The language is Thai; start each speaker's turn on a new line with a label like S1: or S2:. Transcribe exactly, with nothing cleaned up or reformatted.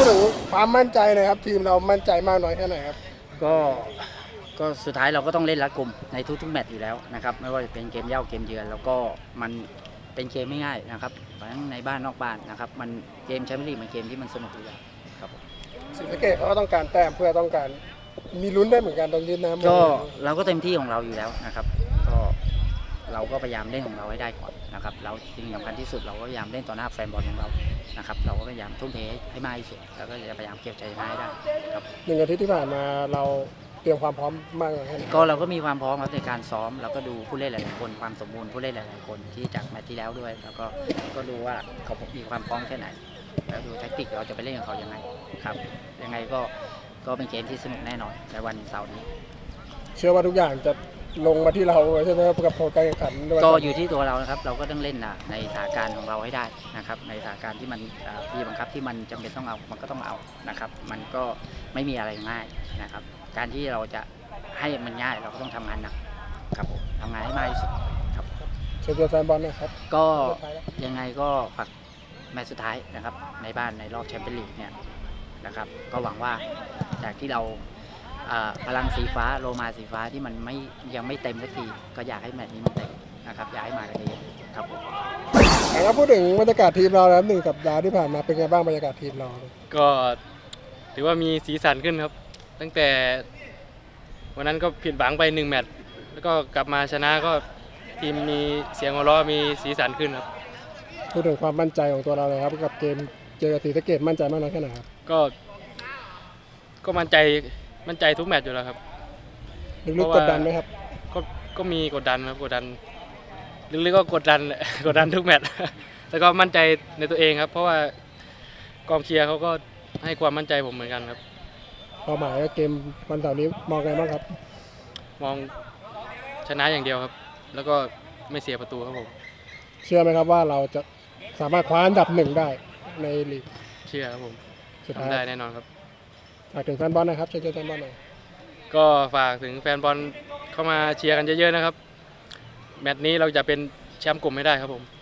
S1: ถึงความมั่นใจหนะครับทีมเรามั่นใจมากน้อยแค่ไหนครับ
S2: ก็ก็สุดท้ายเราก็ต้องเล่นรัดกุมในทุกๆแมตช์อยู่แล้วนะครับไม่ว่าจะเป็นเกมเย่าเกมเยือนแล้วก็มันเป็นเกมไม่ง่ายนะครับทั้งในบ้านนอกบ้านนะครับมันเกมแชมเปี้ยนลีกมันเกมที่มันสนุกอยู่แล้วครับผม
S1: ศรีสะเกษเขาก็ต้องการแต้มเพื่อต้องการมีลุ้นได้เหมือนกันตอนยืนน้ำ
S2: ก็เราก็เต็มที่ของเราอยู่แล้วนะครับก็เราก็พยายามเล่นของเราให้ได้ก่อนนะครับเราสิ่งสำคัญที่สุดเราก็พยายามเล่นต่อหน้าแฟนบอลของเรานะครับเราก็พยายามทุ่มเทให้มากที่สุดแล้วก็จะพยายามเก็บใจชนะให้ได้ครับ
S1: หนึ่งอาทิตย์ที่ผ่านมาเราเตรียมความพร้อมมากน้อยแค่ไหน
S2: ก็เราก็มีความพร้อมครับในการซ้อมเราก็ดูผู้เล่นหลายๆคนความสมบูรณ์ผู้เล่นหลายๆคนที่จากแมตช์ที่แล้วด้วยแล้วก็ก็ดูว่าเขามีความพร้อมแค่ไหนแล้วดูแทคติกเราจะไปเล่นกับเขายังไงครับยังไงก็ก็เป็นเกมที่สนุกแน่นอนในวันเสาร์นี้
S1: เชื่อว่าทุกอย่างจะลงมาที่เราใช่ไหมครับกับผลการแข่งขัน
S2: ก็อยู่ที่ตัวเรานะครับเราก็ต้องเล่นในสถานการณ์ของเราให้ได้นะครับในสถานการณ์ที่มันพี่บังคับที่มันจำเป็นต้องเอามันก็ต้องเอานะครับมันก็ไม่มีอะไรง่ายนะครับการที่เราจะให้มันง่ายเราก็ต้องทำงานหนักครับผมทำงานให้มากที่สุดครับ
S1: เชิญชวนแฟนบอลนะครับ
S2: ก็ยังไงก็ฝากแมตช์สุดท้ายนะครับในบ้านในรอบแชมเปี้ยนลีกเนี่ยนะครับก็หวังว่าจากที่เราพลังสีฟ้าโลมาสีฟ้าที่มันไม่ยังไม่เต็มสักทีก็อยากให้แมตช์นี้มันเต็มนะครับอยากให้มากันเยอะครับผม
S1: แล้วพูดถึงบรรยากาศทีมเราแล้วหนึ่งสัปดาห์ที่ผ่านมาเป็นไงบ้างบรรยากาศทีมเรา
S3: ก็ถือว่ามีสีสันขึ้นครับตั้งแต่วันนั้นก็ผิดหวังไปหนึ่งแมตช์แล้วก็กลับมาชนะก็ทีมมีเสียงหัวเราะมีสีสันขึ้นครับ
S1: พูดถึงความมั่นใจของตัวเราเลยครับกับเกมเจอกับศรีสะเกษมั่นใจมากน้อยแค่ไหนครับ
S3: ก็ก็มั่นใจมั่นใจทุกแมตช์อยู่แล้วครับ
S1: ลึกๆกดดันไหมครับ
S3: ก็ก็มีกดดันครับกดดันลึกๆก็กดดันกดดันทุกแมตช์แต่ก็มั่นใจในตัวเองครับเพราะว่ากองเชียร์เขาก็ให้ความมั่นใจผมเหมือนกันครับ
S1: เป้าหมายเกมวันเสาร์นี้มองไงบ้างครับ
S3: มองชนะอย่างเดียวครับแล้วก็ไม่เสียประตูครับผม
S1: เชื่อไหมครับว่าเราจะสามารถคว้าอันดับหนึ่งได้ในลีก
S3: เชื่อครับผมทำได้แน่นอนครับ
S1: ฝากถึงแฟนบอลนะครับเชิญชวนแฟนบอลหน่อย
S3: ก็ฝากถึงแฟนบอลเข้ามาเชียร์กันเยอะๆนะครับแมตช์นี้เราจะเป็นแชมป์กลุ่มให้ได้ครับผม